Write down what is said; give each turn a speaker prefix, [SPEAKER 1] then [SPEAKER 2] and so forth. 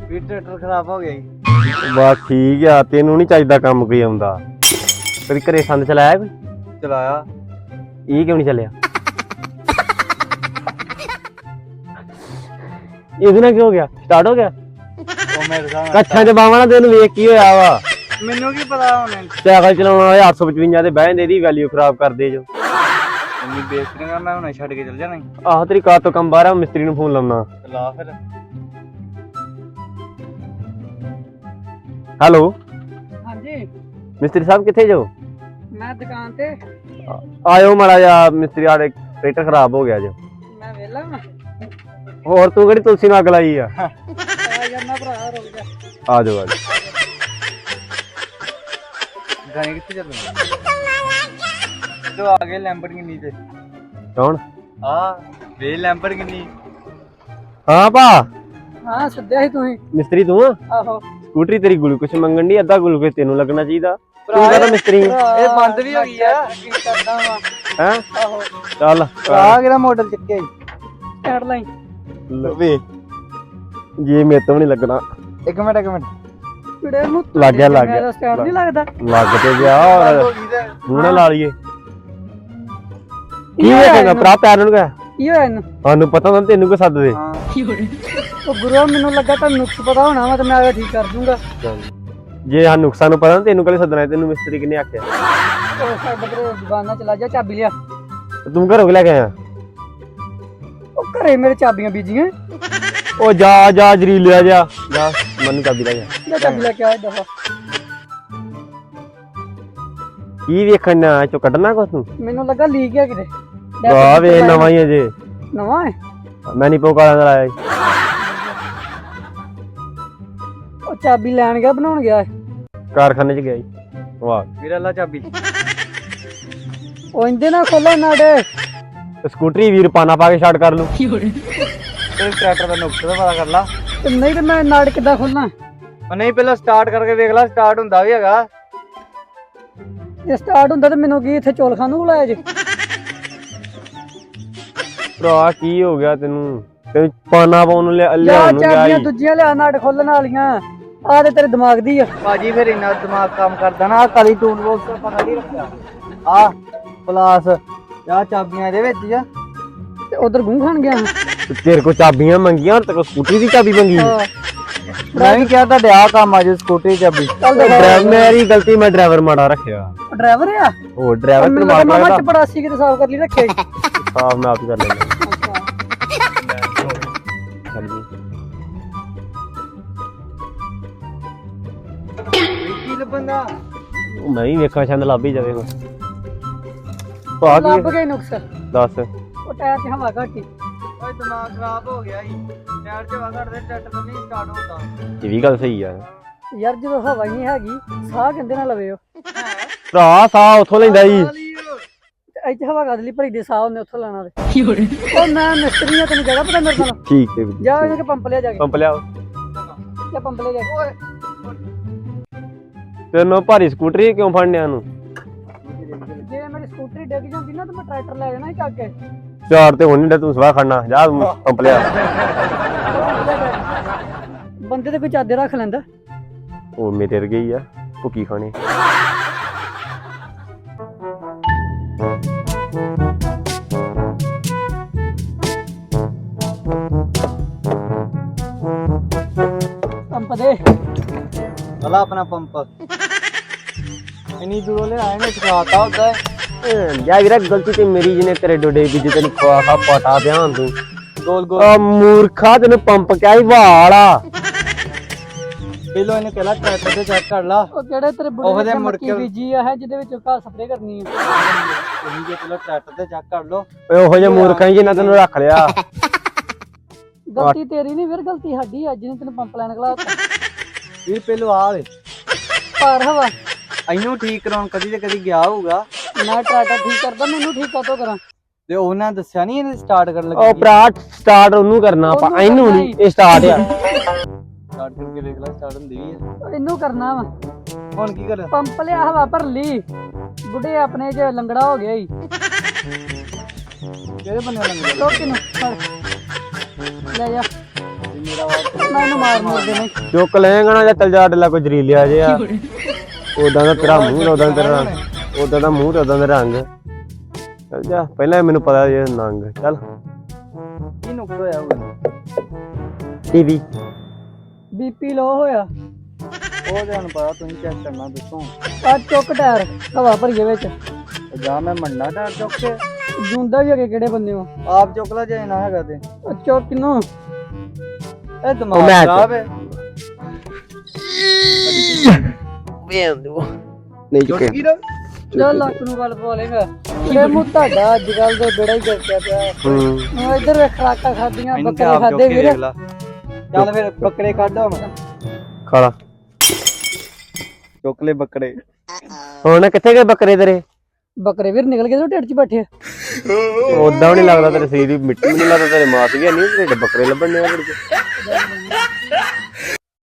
[SPEAKER 1] ਵੀ tractor ਖਰਾਬ ਹੋ ਗਿਆ ਜੀ।
[SPEAKER 2] ਬਸ ਠੀਕ ਆ, ਤੈਨੂੰ ਨਹੀਂ ਚਾਹੀਦਾ ਕੰਮ ਕੋਈ ਆਉਂਦਾ। ਕਦੀ ਘਰੇ ਸੰਦ ਚਲਾਇਆ ਕੋਈ?
[SPEAKER 1] ਚਲਾਇਆ।
[SPEAKER 2] ਇਹ ਕਿਉਂ ਨਹੀਂ ਚੱਲਿਆ? ਇਹਦੇ ਨਾਲ ਕੀ ਹੋ ਗਿਆ? ਸਟਾਰਟ ਹੋ ਗਿਆ?
[SPEAKER 1] ਉਹ ਮੇਰੇ ਸਾਹਮਣੇ
[SPEAKER 2] ਕੱਛਾਂ ਚ ਬਾਵਾਂ ਨਾਲ ਤੈਨੂੰ ਵੇਖ ਕੀ ਹੋਇਆ ਵਾ?
[SPEAKER 1] ਮੈਨੂੰ ਕੀ ਪਤਾ ਹੁਣ
[SPEAKER 2] ਸਾਈਕਲ ਚਲਾਉਣ ਵਾਲੇ 855 ਤੇ ਬਹਿ ਜਾਂਦੇ, ਇਹਦੀ ਵੈਲਿਊ ਖਰਾਬ ਕਰਦੇ ਜੋ।
[SPEAKER 1] ਇੰਨੀ ਬੇਇੱਜ਼ਤੀ ਨਾ, ਮੈਂ ਹੁਣੇ ਛੱਡ ਕੇ ਚੱਲ ਜਾਣਾ।
[SPEAKER 2] ਆਹੋ ਤੇਰੀ ਕਾਰ ਤੋਂ ਕੰਮ ਬਾਹਰ ਆ, ਮਿਸਤਰੀ ਨੂੰ ਫੋਨ ਲਾਉਣਾ।
[SPEAKER 1] ਲਾ ਫਿਰ।
[SPEAKER 2] ਹੈਲੋ
[SPEAKER 3] ਹਾਂਜੀ
[SPEAKER 2] ਮਿਸਤਰੀ ਸਾਹਿਬ ਕਿੱਥੇ ਜੋ?
[SPEAKER 3] ਮੈਂ ਦੁਕਾਨ ਤੇ।
[SPEAKER 2] ਆਇਓ ਮਾੜਾ ਜਿਹਾ, ਮਿਸਤਰੀ ਆੜੇ ਟਰੈਕਟਰ ਖਰਾਬ ਹੋ ਗਿਆ ਜੋ।
[SPEAKER 3] ਮੈਂ ਵਿਹਲਾ ਵਾਂ।
[SPEAKER 2] ਹੋਰ ਤੂੰ ਕਿਹੜੀ ਤੁਲਸੀ ਨੂੰ ਅੱਗ ਲਾਈ ਆ?
[SPEAKER 3] ਆ ਜਾਂਦਾ ਭਰਾ, ਰੁਕ ਜਾ।
[SPEAKER 2] ਆ ਜਾਓ ਆ ਜਾਓ।
[SPEAKER 1] ਗਾਣੇ ਕਿੱਥੇ ਚੱਲਦੇ ਤੂੰ ਆ ਗਏ ਲੈਂਬਰਗਿਨੀ ਤੇ।
[SPEAKER 2] ਕੌਣ?
[SPEAKER 1] ਆ ਵੇ ਲੈਂਬਰਗਿਨੀ।
[SPEAKER 2] ਹਾਂ ਭਾ,
[SPEAKER 3] ਹਾਂ ਸੱਦਿਆ ਸੀ ਤੁਸੀਂ?
[SPEAKER 2] ਮਿਸਤਰੀ ਤੂੰ ਆ?
[SPEAKER 3] ਆਹੋ
[SPEAKER 2] ਸਕੂਟਰੀ ਤੇਰੀ ਗਲੂਕੋਸ਼ ਮੰਗਣ ਦੀ, ਅੱਧਾ ਗਲੂਕੋਸ਼ ਤੈਨੂੰ ਲੱਗਣਾ ਚਾਹੀਦਾ। ਤੂੰ ਕਹਦਾ ਮਿਸਤਰੀ
[SPEAKER 1] ਇਹ ਬੰਦ ਵੀ ਹੋ ਗਈ ਆ।
[SPEAKER 3] ਕੀ ਕਰਦਾ ਵਾਂ?
[SPEAKER 2] ਹੈ?
[SPEAKER 3] ਆਹੋ
[SPEAKER 2] ਚੱਲ
[SPEAKER 1] ਆ ਕਿਹੜਾ ਮਾਡਲ ਚੱਕਿਆ ਜੀ?
[SPEAKER 3] Headline.
[SPEAKER 2] ਲਵੇ ਜੇ ਮੇਰੇ ਤੋਂ ਨਹੀਂ ਲੱਗਣਾ।
[SPEAKER 1] ਇੱਕ ਮਿੰਟ
[SPEAKER 3] ਕਿਹੜੇ ਨੂੰ
[SPEAKER 2] ਲੱਗ ਗਿਆ, ਲੱਗ ਗਿਆ।
[SPEAKER 3] ਮੇਰਾ ਸਟਾਰਟ ਨਹੀਂ ਲੱਗਦਾ।
[SPEAKER 2] ਲੱਗ ਤੇ ਗਿਆ।
[SPEAKER 1] ਬੰਦ ਹੋ
[SPEAKER 2] ਔਰ
[SPEAKER 1] ਗਈ ਤੇ
[SPEAKER 2] ਹੁਣ ਨਾ ਲਾ ਲਈਏ। ਕੀ
[SPEAKER 3] ਹੋਇਆ
[SPEAKER 2] ਵੇਖੇਗਾ
[SPEAKER 3] ਇਹਨੂੰ?
[SPEAKER 2] ਭਰਾ? ਪੈਰ ਨੂੰ ਕਿਹਾ
[SPEAKER 3] ਕੀ ਹੋਇਆ ਇਹਨੂੰ?
[SPEAKER 2] ਸਾਨੂੰ ਪਤਾ ਹੁੰਦਾ, ਤੈਨੂੰ ਕੋ ਸੱਦਦੇ।
[SPEAKER 1] ਹਾਂ
[SPEAKER 3] ਉਹ ਗੁਰੂ ਮੈਨੂੰ ਲੱਗਾ ਤੁਹਾਨੂੰ ਨੁਕਸ ਪਤਾ ਹੋਣਾ ਵਾ ਤੇ ਮੈਂ ਆ ਠੀਕ ਕਰ ਦੂੰਗਾ।
[SPEAKER 2] ਜੇ ਹਾਂ ਨੁਕਸਾਨ ਨੂੰ ਪਤਾ ਨਾ, ਤੈਨੂੰ ਕਦੇ ਸੱਦਣਾ? ਤੈਨੂੰ ਮਿਸਤਰੀ ਕਿਨੇ ਆਖਿਆ?
[SPEAKER 3] ਉਹ ਸਾਡੇ ਬਰੇ ਦੁਕਾਨਾਂ ਚਲਾ ਜਾ, ਚਾਬੀ ਲਿਆ।
[SPEAKER 2] ਤੂੰ ਘਰੋਂ ਕਿ ਲੈ ਕੇ ਆਇਆ?
[SPEAKER 3] ਉਹ ਘਰੇ ਮੇਰੇ ਚਾਬੀਆਂ ਬੀਜੀਆਂ।
[SPEAKER 2] ਉਹ ਜਾ ਜਾ ਜਰੀਲਿਆ ਜਾ ਜਾ, ਮੈਨੂੰ ਚਾਬੀ ਲੈ ਜਾ।
[SPEAKER 3] ਲੈ ਚਾਬੀ ਲੈ ਕੇ ਆ ਦਫਾ।
[SPEAKER 2] ਕੀ ਵੇਖਣਾ ਚੋ ਕੱਢਣਾ ਕੁਛ ਤੂੰ?
[SPEAKER 3] ਮੈਨੂੰ ਲੱਗਾ ਲੀਕ ਆ ਕਿਤੇ।
[SPEAKER 2] ਵਾਹ ਵੇ ਨਵਾਂ ਹੀ ਅਜੇ।
[SPEAKER 3] ਨਵਾਂ ਹੈ?
[SPEAKER 2] ਮੈਂ ਨਹੀਂ ਪੋਕਾਲਾਂ ਦਾ ਲਾਇਆ।
[SPEAKER 3] ਉਹ ਚਾਬੀ ਲੈਣ ਗਿਆ, ਬਣਾਉਣ ਗਿਆ।
[SPEAKER 2] ਕਾਰਖਾਨੇ ਚ ਗਿਆ ਜੀ। ਵਾਹ
[SPEAKER 1] ਵੀਰਾ ਲਾ ਚਾਬੀ।
[SPEAKER 3] ਉਹ ਇੰਦੇ ਨਾਲ ਖੋਲੋ ਨਾੜੇ।
[SPEAKER 2] ਸਕੂਟਰੀ ਵੀਰ ਪਾਣਾ ਪਾ ਕੇ ਛੱਡ ਕਰ ਲੂ।
[SPEAKER 1] ਤੇ ਟਰੈਕਟਰ ਦਾ ਨੁਕਸ ਦਾ ਪਤਾ ਕਰ ਲਾ।
[SPEAKER 3] ਤੇ ਨਹੀਂ ਤੇ ਮੈਂ ਨਾੜ ਕਿੱਦਾਂ ਖੋਲਣਾ?
[SPEAKER 1] ਉਹ ਨਹੀਂ ਪਹਿਲਾਂ ਸਟਾਰਟ ਕਰਕੇ ਵੇਖ ਲੈ, ਸਟਾਰਟ ਹੁੰਦਾ ਵੀ ਹੈਗਾ।
[SPEAKER 3] ਜੇ ਸਟਾਰਟ ਹੁੰਦਾ ਤੇ ਮੈਨੂੰ ਕੀ ਇੱਥੇ ਚੌਲ ਖਾਣ ਨੂੰ ਬੁਲਾਇਆ ਜੇ?
[SPEAKER 2] ਭਰਾ ਕੀ ਹੋ ਗਿਆ ਤੈਨੂੰ? ਤੈਨੂੰ ਪਾਣਾ ਪਾਉਣ ਨੂੰ
[SPEAKER 3] ਯਾ
[SPEAKER 2] ਲਿਆਉਣ ਨੂੰ ਗਿਆ
[SPEAKER 3] ਚਾਬੀਆਂ
[SPEAKER 2] ਸੀ।
[SPEAKER 3] ਦੂਜੀਆਂ ਲਿਆ ਨਾੜ ਖੋਲਣ ਵਾਲੀਆਂ। ਆ ਤੇ ਤੇਰੇ ਦਿਮਾਗ ਦੀ ਆ।
[SPEAKER 1] ਭਾਜੀ ਫਿਰ ਇੰਨਾ ਦਿਮਾਗ ਕੰਮ ਕਰਦਾ ਨਾ। ਕਾਲੀ ਟੂਲ ਬਾਕਸ ਦਾ ਪਤਾ ਨਹੀਂ ਰੱਖਿਆ। ਆ ਪਲਾਸ ਆ ਚਾਬੀਆਂ ਇਹਦੇ ਵਿੱਚ ਆ।
[SPEAKER 3] ਤੇ ਉਧਰ ਗੂੰ ਖਾਣ ਗਿਆ।
[SPEAKER 2] ਤੇਰੇ ਕੋ ਚਾਬੀਆਂ ਮੰਗੀਆਂ, ਤੇ ਕੋ ਸਕੂਟਰੀ ਦੀ ਚਾਬੀ ਮੰਗੀ।
[SPEAKER 3] ਹਾਂ
[SPEAKER 1] ਮੈਂ ਵੀ ਕਿਹਾ ਤੁਹਾਡੇ ਆ ਕੰਮ ਆ ਜੇ ਸਕੂਟਰੀ ਚਾਬੀ।
[SPEAKER 2] ਡਰਾਈਵਰ ਮੇਰੀ ਗਲਤੀ, ਮੈਂ ਡਰਾਈਵਰ ਮਾੜਾ ਰੱਖਿਆ।
[SPEAKER 3] ਡਰਾਈਵਰ ਆ?
[SPEAKER 2] ਉਹ ਡਰਾਈਵਰ
[SPEAKER 3] ਮੈਨੂੰ
[SPEAKER 2] ਤੈਨੂੰ ਮਾਰ
[SPEAKER 3] ਮਾਮਾ
[SPEAKER 2] ਲੱਗਦਾ।
[SPEAKER 3] ਚਪੜਾਸੀ ਕਿਤੇ ਸਾਫ਼ ਕਰ ਲਈ ਰੱਖਿਆ ਈ।
[SPEAKER 2] ਸਾਫ ਮੈਂ ਆਪ ਹੀ ਕਰ ਲੈਂਦਾ। ਚੱਲ ਜੀ।
[SPEAKER 1] ਕੀ ਲੱਭੰਦਾ?
[SPEAKER 2] ਉਹ ਮੈਂ ਹੀ ਵੇਖਾਂ ਛੰਦ ਲੱਭ ਹੀ ਜਾਵੇ। ਭਾ
[SPEAKER 3] ਲੱਭ
[SPEAKER 2] ਕੀ
[SPEAKER 3] ਗਏ ਨੁਕਸ।
[SPEAKER 2] ਦੱਸ।
[SPEAKER 3] ਉਹ ਟਾਇਰ 'ਚ ਹਵਾ ਘੱਟ ਈ।
[SPEAKER 1] ਓਏ ਦਿਮਾਗ ਖਰਾਬ ਹੋ ਗਿਆ ਜੀ। ਟਾਇਰ 'ਚ ਹਵਾ ਘੱਟਦੇ ਟਰੈਕਟਰ ਨਹੀਂ ਸਟਾਰਟ ਹੁੰਦਾ।
[SPEAKER 2] ਇਹ ਵੀ ਗੱਲ ਸਹੀ ਆ।
[SPEAKER 3] ਯਾਰ ਜਦੋਂ ਹਵਾ ਹੀ ਨਹੀਂ ਹੈਗੀ, ਸਾਹ ਕਹਿੰਦੇ ਨਾ ਲਵੇ। ਉਹ
[SPEAKER 2] ਭਰਾ ਸਾਹ ਉੱਥੋਂ ਲੈਂਦਾ ਜੀ।
[SPEAKER 3] ਤੇ ਇੱਥੇ ਹਵਾ ਕਾਹਦੇ ਲਈ ਭਰੀ ਦੇ? ਸਾਹ ਉਹਨੇ ਉੱਥੋਂ ਲੈਣਾ ਤੇ। ਉਹ ਮੈਂ ਮਿਸਤਰੀ ਆ, ਤੈਨੂੰ ਕਿਹੜਾ ਪਤਾ ਮੇਰੇ ਨਾਲ?
[SPEAKER 2] ਠੀਕ ਹੈ ਵੀਰ।
[SPEAKER 3] ਜਾ ਇਹਦੇ ਪੰਪ ਲਿਆ ਜਾ ਕੇ।
[SPEAKER 2] ਪੰਪ ਲਿਆਓ।
[SPEAKER 3] ਜਾ ਪੰਪ ਲਿਆ ਜਾ ਕੇ।
[SPEAKER 2] ਤੈਨੂੰ ਭਾਰੀ ਸਕੂਟਰੀ ਕਿਉਂ ਫੜਨਿਆ ਨੂੰ?
[SPEAKER 3] ਜੇ ਮੇਰੀ ਸਕੂਟਰੀ ਡਿੱਗ ਜਾਂਦੀ ਨਾ ਤੇ ਮੈਂ ਟਰੈਕਟਰ ਲੈ ਜਾਣਾ ਸੀ ਚੱਕ ਕੇ।
[SPEAKER 2] ਚਾਰ ਤੇ ਹੁਣ ਨਹੀਂ ਤੂੰ ਸਵਾਹ ਖੜਨਾ। ਜਾ ਪੰਪ ਲਿਆ।
[SPEAKER 3] ਬੰਦੇ ਤੇ ਕੋਈ ਚਾਦੇ ਰੱਖ ਲੈਂਦਾ।
[SPEAKER 2] ਉਹ ਮੇਰੇ ਵਰਗੇ ਹੀ ਆ, ਭੁੱਕੀ ਖਾਣੇ।
[SPEAKER 3] ਪੰਪ ਦੇ
[SPEAKER 1] ਵਾਲਾ ਆਪਣਾ ਪੰਪ ਇੰਨੀ ਦੂਰੋਂ ਲੈ ਆਏ ਨੇ, ਚਕਾਤਾ ਹੁੰਦਾ।
[SPEAKER 2] ਯਾ ਵੀਰਾ ਗਲਤੀ ਤੇ ਮੇਰੀ, ਜਿਹਨੇ ਤੇਰੇ ਡੋਡੇ ਵਿੱਚ ਤੈਨੂੰ ਖਵਾ ਖਾ ਪਟਾ ਪਿਆ ਹੁਣ ਤੂੰ।
[SPEAKER 1] ਗੋਲ ਗੋਲ
[SPEAKER 2] ਆ ਮੂਰਖਾ, ਤੈਨੂੰ ਪੰਪ ਕਿਹਾ ਹੀ ਵਾਲਾ।
[SPEAKER 1] ਪਹਿਲੋਂ ਇਹਨੇ ਕਹਿਲਾ ਟਰੈਕਟਰ ਤੇ ਚੈੱਕ ਕਰ ਲਾ।
[SPEAKER 3] ਉਹ ਕਿਹੜੇ ਤੇਰੇ
[SPEAKER 1] ਉਹਦੇ
[SPEAKER 3] ਬੁੜੇ
[SPEAKER 1] ਮੁੜ
[SPEAKER 3] ਮੱਕੀ
[SPEAKER 1] ਕੇ-
[SPEAKER 3] ਬੀਜੀ ਆ ਹੈ ਜਿਹਦੇ ਵਿੱਚ ਘਾਹ ਸਪਰੇ ਕਰਨੀ ਆ।
[SPEAKER 1] ਤੁਸੀਂ ਜੇ ਪਹਿਲਾਂ ਟਰੈਕਟਰ ਤੇ ਚੈੱਕ ਕਰ ਲੋ।
[SPEAKER 2] ਓਏ ਉਹੋ ਜਿਹਾ ਮੂਰਖਾ ਹੀ ਜਿਹਨਾਂ ਤੈਨੂੰ ਰੱਖ ਲਿਆ।
[SPEAKER 3] ਗਲਤੀ ਤੇਰੀ ਨਹੀਂ ਵੀਰ, ਗਲਤੀ ਸਾਡੀ ਅੱਜ ਨੇ ਤੈਨੂੰ ਪੰਪ ਲੈਣ ਖਲਾ ਦਿੱਤਾ।
[SPEAKER 1] ਵੀਰ ਪਹਿਲੋਂ ਆ ਵੇ
[SPEAKER 3] ਭਾਰ ਹਵਾ।
[SPEAKER 1] ਇਹਨੂੰ ਠੀਕ ਕਰਾਉਣ ਕਦੀ ਤੇ ਕਦੀ ਗਿਆ ਹੋਊਗਾ।
[SPEAKER 3] ਮੈਂ ਟਰੈਕਟਰ ਠੀਕ ਕਰਦਾ, ਮੈਨੂੰ ਠੀਕ ਕਾਤੋਂ ਕਰਾਂ?
[SPEAKER 1] ਤੇ ਉਹਨਾਂ ਦੱਸਿਆ ਨਹੀਂ ਇਹਨੇ ਸਟਾਰਟ ਕਰਨ
[SPEAKER 2] ਉਹ
[SPEAKER 1] ਲੱਗੀ।
[SPEAKER 2] ਭਰਾ ਸਟਾਰਟ ਉਹਨੂੰ ਕਰਨਾ ਆਪਾਂ,
[SPEAKER 3] ਉਹਨੂੰ
[SPEAKER 2] ਇਹਨੂੰ
[SPEAKER 3] ਕਰਨਾ
[SPEAKER 2] ਨਹੀਂ। ਇਹ ਸਟਾਰਟ ਆ।
[SPEAKER 1] ਸਟਾਰਟ ਕਰਕੇ ਵੇਖ ਲੈ, ਸਟਾਰਟ ਹੁੰਦੀ ਵੀ ਆ।
[SPEAKER 3] ਇਹਨੂੰ ਕਰਨਾ ਵਾ।
[SPEAKER 1] ਹੁਣ ਕੀ ਕਰ?
[SPEAKER 3] ਪੰਪ ਲਿਆ, ਹਵਾ ਭਰ ਲਈ। ਬੁੱਢੇ ਆਪਣੇ ਚ ਲੰਗੜਾ ਹੋ ਗਿਆ ਈ।
[SPEAKER 1] ਕਿਹਦੇ ਬੰਨੇ ਲੰਗਦਾ?
[SPEAKER 3] ਲੋਕੀ ਨੂੰ ਫੜ ਲੈ ਜਾ।
[SPEAKER 1] ਮੇਰਾ ਵਾ
[SPEAKER 3] ਨਾ ਇਹਨੂੰ ਮਾਰ ਮਾਰ ਦੇਣੇ
[SPEAKER 2] ਚੁੱਕ ਲੈਂਗਾ ਨਾ ਜਾਂ ਚੱਲ ਜਾ ਡੱਲਾ ਕੋਈ ਜ਼ਰੀਲਿਆ ਜਿਹਾ ਉਦਾਂ ਦਾ ਤੇਰਾ ਮੂੰਹ ਉਦਾਂ ਦਾ ਤੇਰਾ ਉਦਾਂ ਦਾ ਮੂੰਹ ਤੇ ਉਦਾਂ ਦਾ ਰੰਗ ਚੱਲ ਜਾ ਪਹਿਲਾਂ ਮੈਨੂੰ ਪਤਾ ਜੇ ਨੰਗ ਚੱਲ
[SPEAKER 1] ਕੀ ਨੁਕਸ ਹੋਇਆ ਹੋਊਗਾ
[SPEAKER 2] ਟੀਵੀ
[SPEAKER 3] ਬੀਪੀ ਲੋ ਹੋਇਆ
[SPEAKER 1] ਉਹ ਤੁਹਾਨੂੰ ਪਤਾ ਤੁਸੀਂ ਚੈੱਕ ਕਰਨਾ ਦੱਸੋ
[SPEAKER 3] ਆ ਚੁੱਕ ਟਾਇਰ ਹਵਾ ਭਰੀਏ ਵਿੱਚ
[SPEAKER 1] ਜਾਂ ਮੈਂ ਮੰਨਾ ਟਾਇਰ ਚੁੱਕ ਕੇ
[SPEAKER 3] ਜੁੰਦਾ ਵੀ ਹੈਗੇ ਕਿਹੜੇ ਬੰਦੇ ਹੋ
[SPEAKER 1] ਆਪ ਚੁੱਕ ਲਾ ਜੇ ਨਾ ਹੈਗਾ ਤੇ
[SPEAKER 3] ਚੁੱਕ ਕਿਨੂੰ
[SPEAKER 1] ਇਹ ਦਿਮਾਗ
[SPEAKER 2] ਮੈਂ
[SPEAKER 1] ਖਰਾਬ ਹੈ
[SPEAKER 2] ਨਹੀਂ ਚੁੱਕੇ
[SPEAKER 3] ਚੱਲ ਲੱਕ ਨੂੰ ਗੱਲ ਪਵਾ ਲੇਗਾ ਇਹ ਮੂੰਹ ਤੁਹਾਡਾ ਅੱਜ ਕੱਲ ਦੇ ਬੇੜਾ ਹੀ ਕਰਦਾ ਪਿਆ ਹੁਣ ਇੱਧਰ ਵੇਖ ਖਰਾਕਾਂ ਖਾਦੀਆਂ
[SPEAKER 1] ਇਹਨੂੰ
[SPEAKER 3] ਬੱਕਰੇ
[SPEAKER 1] ਆਪ ਚੁੱਕ
[SPEAKER 3] ਖਾਦੇ
[SPEAKER 1] ਕੇ
[SPEAKER 3] ਵੀਰ
[SPEAKER 1] ਦੇਖ ਲਾ ਚੱਲ ਫਿਰ ਬੱਕਰੇ ਕੱਢ ਹੁਣ
[SPEAKER 2] ਖਾਲਾ
[SPEAKER 1] ਚੁੱਕ ਲੈ ਬੱਕਰੇ
[SPEAKER 2] ਹੁਣ ਕਿੱਥੇ ਗਏ ਬੱਕਰੇ ਤੇਰੇ
[SPEAKER 3] ਬੱਕਰੇ ਵੀਰ ਨਿਕਲ ਗਏ ਤੇ ਢਿੱਡ 'ਚ ਬੈਠੇ
[SPEAKER 2] ਉਦਾਂ ਵੀ ਨਹੀਂ ਲੱਗਦਾ ਤੇਰੇ ਸਰੀਰ ਦੀ ਮਿੱਟੀ ਵੀ ਨਹੀਂ ਲੱਗਦਾ ਤੇਰੇ ਮਾਸ ਵੀ ਨਹੀਂ ਤੇਰੇ ਬੱਕਰੇ ਲੱਭਣ ਨੇ ਆ